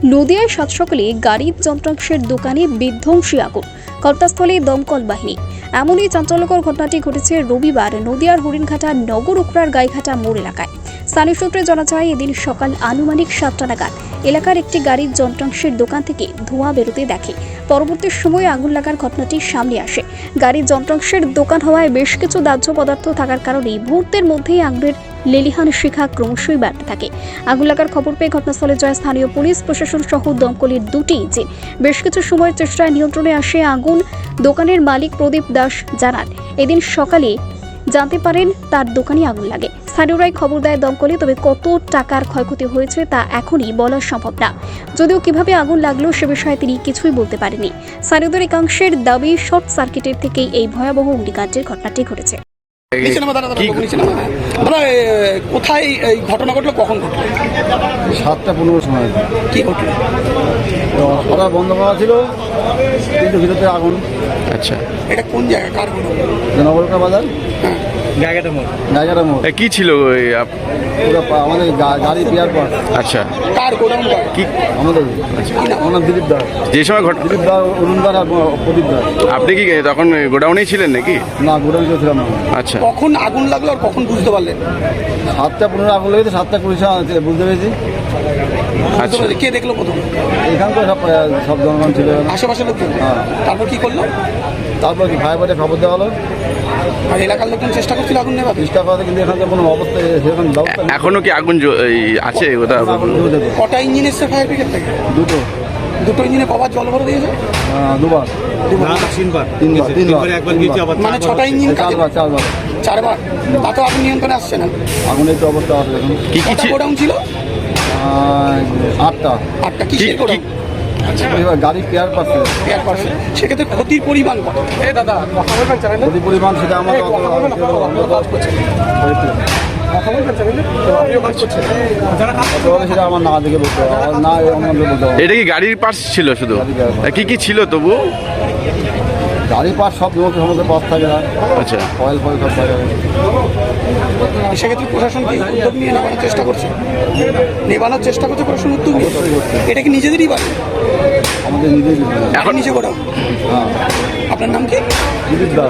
নদিয়ায় সাত সকালে গাড়ির যন্ত্রাংশের দোকানে বিধ্বংসী আগুন, ঘটনাস্থলে দমকল বাহিনী। এমনই চাঞ্চল্যকর ঘটনাটি ঘটেছে রবিবার নদিয়ার হরিণঘাটা নগর উকড়ার গাইঘাটা মোড় এলাকায়। স্থানীয় সূত্রে জানা যায়, এদিন সকাল আনুমানিক 7টা নাগাদ এলাকার একটি গাড়ির যন্ত্রাংশের দোকান থেকে ধোঁয়া বেরোতে দেখে। পরবর্তী সময়ে আগুন লাগার ঘটনাটি সামনে আসে। গাড়ির যন্ত্রাংশের দোকান হওয়ায় বেশ কিছু দাহ্য পদার্থ থাকার কারণে মুহূর্তের মধ্যেই আগুনের লেলিহান শিখা ক্রমশই বাড়তে থাকে। আগুন লাগার খবর পেয়ে ঘটনাস্থলে যায় স্থানীয় পুলিশ প্রশাসন সহ দমকলের দুটি ইঞ্জিন। বেশ কিছু সময়ের চেষ্টায় নিয়ন্ত্রণে আসে আগুন। দোকানের মালিক প্রদীপ দাস জানান, এদিন সকালে জানতে পারেন তার দোকানে আগুন লাগে। স্থানীয়রাই খবর দেয় দমকলে, তবে কত টাকার ক্ষয়ক্ষতি হয়েছে তা এখনই বলা সম্ভব না। যদিও কিভাবে আগুন লাগলো সে বিষয়ে তিনি কিছুই বলতে পারেননি। স্থানীয়দের একাংশের দাবি, শর্ট সার্কিটের থেকেই এই ভয়াবহ অগ্নিকাণ্ডের ঘটনাটি ঘটেছে। কোথায় এই ঘটনা ঘটলো, কখন ঘটলো? 7টা 15 সময়। কি ঘটলো? ওরা বন্ধ করা ছিল, কিন্তু ভিতরে আগুন। আচ্ছা, এটা কোন জায়গা, কার ঘটনা? নগরকা বাজার, জায়গাটা মোড়। কি ছিল আমাদের গাড়ি পেয়ার পর। আচ্ছা, কার গোডাউন? কি আমাদের আমার দিলীপ দাস, যে সময় দিলীপ দাস, অরুণ দাস আর প্রদীপ দাস। আপনি কি তখন গোডাউনেই ছিলেন নাকি? না, গোডাউন ছিলাম না। আচ্ছা, কখন আগুন লাগলো আর কখন বুঝতে পারলেন? 7টা 15 আগুন লেগেছে, 7টা 20 বুঝতে পেরেছি। আচ্ছা, কে দেখলো প্রথম? এখানকার সব জনগণ ছিল, আশেপাশের লোকজন। হ্যাঁ। তারপর কি করলো? তারপর কি ফায়ার ফাইটার খবর দেওয়া হলো, আর এলাকার লোকজন চেষ্টা করছিল আগুন নেভাতে। চেষ্টা করাতে, কিন্তু এখানকার কোনো অবস্থা সেরকম ব্যবস্থা নেই। এখনো কি আগুন আছে? ওটা কটা ইঞ্জিন এসছে ফায়ার ব্রিগেড থেকে? দুটো ইঞ্জিনে কবার জল ভরে দিয়েছে? দুবার, তিনবার, মানে 6টা ইঞ্জিন, চারবার। 4বার। তাতে আগুন নিয়ন্ত্রণে আসছে না। আগুনের তো অবস্থা আছে এখন। কি কি কটা গোডাউন ছিল? 8টা। কিসের গোডাউন? গাড়ি পেয়ার পাচ্ছে। সেক্ষেত্রে ক্ষতির পরিমাণ কত? ক্ষতি পরিমাণ সেটা আমাকে সেটা আমার না দেখে বলতে হবে, না অন্যদের বলতে হবে। এটা কি গাড়ির পার্টস ছিল শুধু? কি কি ছিল তবু? গাড়ির পাশ সব সমস্ত পাশ থাকে না। আচ্ছা, ফয়েল সব থাকে। সেক্ষেত্রে প্রশাসন কি উদ্যোগ নিয়ে নেবানোর চেষ্টা করছে? প্রশাসন উদ্যোগ নিয়ে। এটা কি নিজেদেরই বাড়ি? আমাদের নিজেই এখন নিচে গোডাউন। হ্যাঁ। আপনার নাম কি? দিলীপ দাস।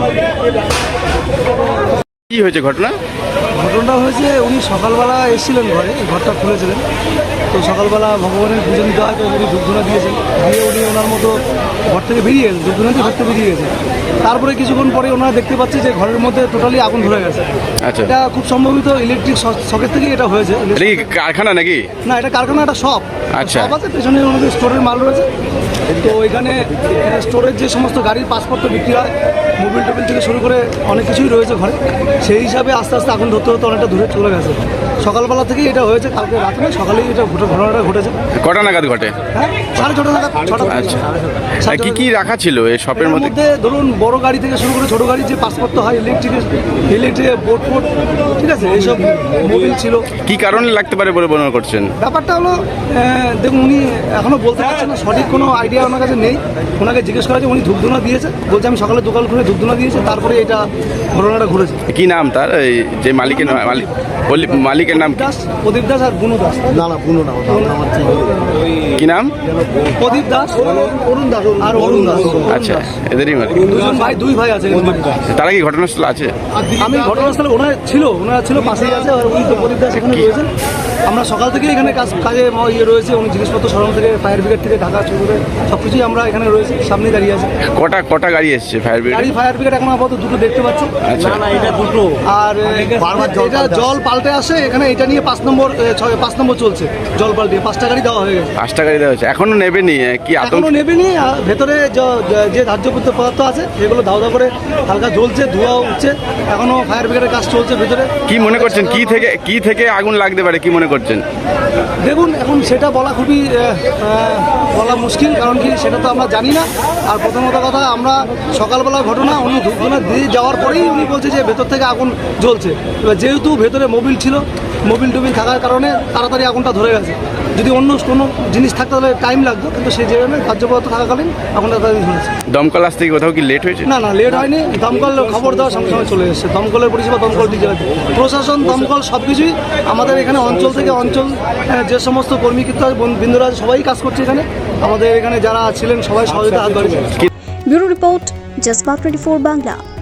কি হয়েছে ঘটনা? ঘটনাটা হয়েছে, উনি সকালবেলা এসেছিলেন ঘরটা খুলেছিলেন। তো সকালবেলা ভগবানের পুজো দিতে হয়, তো উনি ধূপধুনা দিয়েছেন, দিয়ে উনি ওনার মতো ঘর থেকে বেরিয়ে গেছেন, ধূপধুনা দিয়ে ঘর থেকে বেরিয়ে গেছেন। তারপরে কিছুক্ষণ পরে ওনারা দেখতে পাচ্ছে যে ঘরের মধ্যে টোটালি আগুন ধরে গেছে। আচ্ছা, এটা খুব সম্ভবত ইলেকট্রিক সকেট থেকে এটা হয়েছে। এটা কি কারখানা নাকি? না, এটা কারখানা, একটা শপ। আচ্ছা, শপ আছে, পেছনে আমাদের স্টোরের মাল রয়েছে। তো ওইখানে স্টোরের যে সমস্ত গাড়ির পাসপোর্ট বিক্রি হয়, মোবিল টোবিল থেকে শুরু করে অনেক কিছুই রয়েছে ঘরে। সেই হিসাবে আস্তে আস্তে আগুন ধরতে হতে অনেকটা দূরে চলে গেছে। সকালবেলা থেকেই এটা হয়েছে, কালকে রাত্রে সকালেই এটা ঘটনাটা ঘটেছে। কটা নাগাদ ঘটে? হ্যাঁ, 6:30 নাগাদ। আচ্ছা, কি কি রাখা ছিল এই শপের মধ্যে? ধরুন, বড় গাড়ি থেকে শুরু করে ছোট গাড়ির যে পাসপোর্ট হয়, ইলেকট্রিক বোর্ড, ঠিক আছে, এইসব মোবিল ছিল। কি কারণে লাগতে পারে বলে মনে করছেন? ব্যাপারটা হলো, দেখুন, উনি এখনো বলতে পারছেন না, সঠিক কোনো আইডিয়া ওনার কাছে নেই। ওনাকে জিজ্ঞেস করা যে উনি ধূপধুনা দিয়েছে, বলছে আমি সকালে দোকান খুলে ধূপধুনা দিয়েছে, তারপরে এটা ঘটনাটা ঘটেছে। কি নাম তার, এই যে মালিকের নাম? প্রদীপ দাস আর বুনু দাস। না, বুনো না, কি নাম? প্রদীপ দাস, অরুণ দাস আর অরুণ দাস। আচ্ছা, এদেরই মালিক। দুই ভাই আছে। তারা কি ঘটনাস্থলে আছে? আমি ঘটনাস্থলে ওনারা ছিল পাশেই আছে। আর উনি তো প্রদীপ দাস এখানে রয়েছেন। আমরা সকাল থেকে এখানে কাজে রয়েছে। উনি জিনিসপত্র সরানো থেকে, ফায়ার ব্রিগেড থেকে ঢাকা শুরু করে সব কিছুই আমরা এখানে রয়েছি, সামনে দাঁড়িয়ে আছে। কটা গাড়ি এসছে ফায়ার ব্রিগেড? ফায়ার ব্রিগেড এখন আপাতত দুটো দেখতে পাচ্ছি। আচ্ছা, এটা দুটো। আর এটা জল পাল্টে আসে এখানে, এটা নিয়ে 5 নম্বর চলছে। জল পাল্টে 5টা গাড়ি দেওয়া হয়ে গেছে। 5টা গাড়ি দেওয়া হয়েছে, এখনো নেবেনি? কি এখনো নেবেনি। ভেতরে যে ধার্য পদার্থ আছে সেগুলো ধাও করে হালকা জ্বলছে, ধোঁয়া উঠছে। এখনো ফায়ার ব্রিগেডের কাজ চলছে ভেতরে। কি মনে করছেন, কি থেকে আগুন লাগতে পারে, কি মনে করছেন? দেখুন, এখন সেটা বলা খুবই বলা মুশকিল, কারণ কি সেটা তো আমরা জানি না। আর প্রথমত কথা, আমরা সকালবেলা ঘটনা, উনি ধূপধুনা দিয়ে যাওয়ার পরেই উনি বলছে যে ভেতর থেকে আগুন জ্বলছে। এবার যেহেতু ভেতরে মোবিল ছিল, মোবিল টোবিল থাকার কারণে তাড়াতাড়ি আগুনটা ধরে গেছে। যদি অন্য কোনো জিনিস থাকতে তাহলে টাইম লাগতো, কিন্তু সেই জায়গায় কার্যপদ্ধতি থাকাকালীন আগুনটা তাড়াতাড়ি ধরেছে। দমকল আসতে কি কোথাও কি লেট হয়েছে? না লেট হয়নি, দমকল খবর দেওয়ার সঙ্গে সঙ্গে চলে এসেছে। দমকলের পরিষেবা দমকল দিকে প্রশাসন, দমকল সব কিছুই আমাদের এখানে অঞ্চল থেকে অঞ্চল যে সমস্ত কর্মীকর্তা বিন্দুরা সবাই কাজ করছে এখানে। আমাদের এখানে যারা ছিলেন সবাই সহযোগিতা হাত বাড়িয়েছে। ব্যুরো রিপোর্ট, জজবা 24 বাংলা।